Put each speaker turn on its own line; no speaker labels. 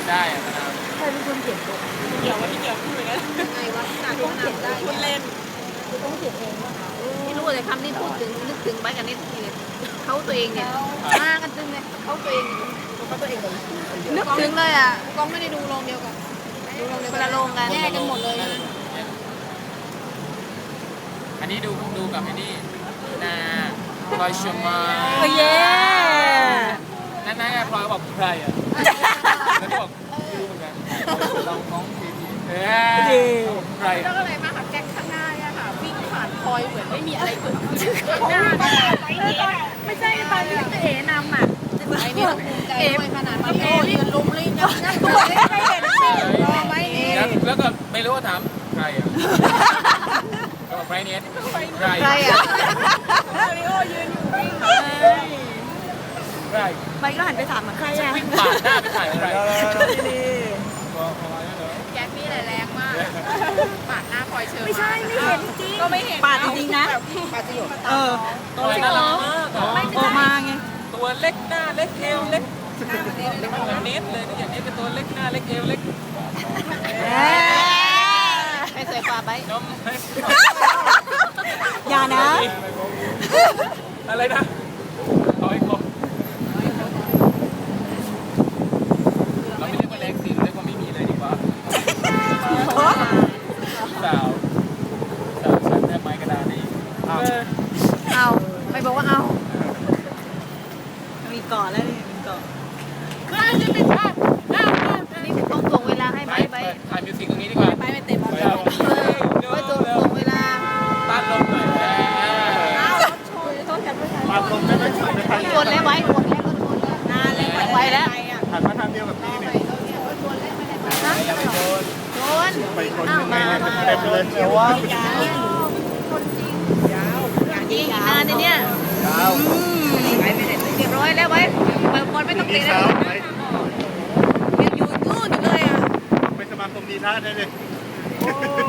ได้อะนะครับ
ใครเป็นคนเขียนบท
เกี่ยวว่าที่เกี่ยวพูดอย่างนั้น
ไงวะต้องเขียนได้
พูดเล่น
คือต้องเขียนเองวะ
ไม่รู้เลยคำนี้พูดถึงนึกถึงไปกันนี่ทุกทีเลยเขาตัวเองเนี่ยมากันตึงเลยเขาตัวเอง
เขาตัวเองเลย
นึกถึงเลยอ่ะ
กองไม่ได้ดูโรงเดียวกันดูโรงเดียว
คนละโรงกัน
แยกกันหมดเลยนะ
อันนี้ดูกับไอ้นี่นาพลอยชมา
โอ้ย
นั่นไงพลอยบอกใครอ่ะแล้วก็บอกไม่รู้เหมือนกันเราน้องทีทีใคร
แล้วก็เลยมาค่ะแก๊งข้างหน้าเนี่ยค่ะวิ่งผ่านพลอยเหมือนไม่มีอะไรเกิดขึ้นข้างหน้าไม่ใช่ตอนที่เอ๋นำอ่ะไอ้นี่ภูมิใจด้วยขนาดที่ยืนลุมลิ้นนั่งตัวไม่ได้เห็นรอไว้นี่
แล้วก็ไม่รู้ว่าถามใครอ่ะก็บอกใครเนี่ยใคร
ใครอ่ะ
มาริโอยืนอยู่วิ่ง
ใคร
ไปก็หันไปถามใครอ่ะ
วิ่งปาดหน้าไปถ่ายใคร
แก๊งนี่แหละแรงมากปาดหน้าพลอยเชิญ
ไม่ใช่ไม่เห็นจริง
ก็ไม่เห็น
ปาดจริงๆนะเออ
ตัวน่ารักมากอ่ะ
ออกมาไง
ตัวเล็กหน้าเล็กเอวเล็กเหมือนเนสเลยอย่างนี้เป็นตัวเล็กหน้าเล็กเอวเล็ก
ไปสวยกว่าไป
นม
อย่านะ
อะไรนะเอาอีกคนเราไม่เรียกว่าเล็กสิเรียกว่าไม่มีเลยดีกว่าสาวฉันแทบไม้กระดานนี่
เอาไม่บอกว่าเอา
มีเกาะแล้วนี่มีเกาะ
นี่ต้องส่งเวลาให้ไปไป
ถ่ายมิวสิกตรงนี้ดีกว่า
ไปไม่เต็ม
ไป
แล้ว
เอา
ไปส่งเวลา
ต้านลมหน่อย
ปาดลมได้ไหม
ชวนแล้วไว้ชวนแล้วก็ชวนแล้ว
นานเลย
ไปแล้ว
หันมาทางเดียวกับพี่นี่
อย่าไปโดน
ชวน
ไปคน
อ้าวมา
เต็มเลยเดี๋ยวว่า
จริงนานเนี่ย
ยาว
เรียบร้อยแล้วไว้เปิดบอลไม่ต้อง
ดี
เตะแล้
สาว วไหม
ยังอยู่นู่นอยู่เลยอ่ะ
ไปสมาคมดีท่าได้เลย
โอ้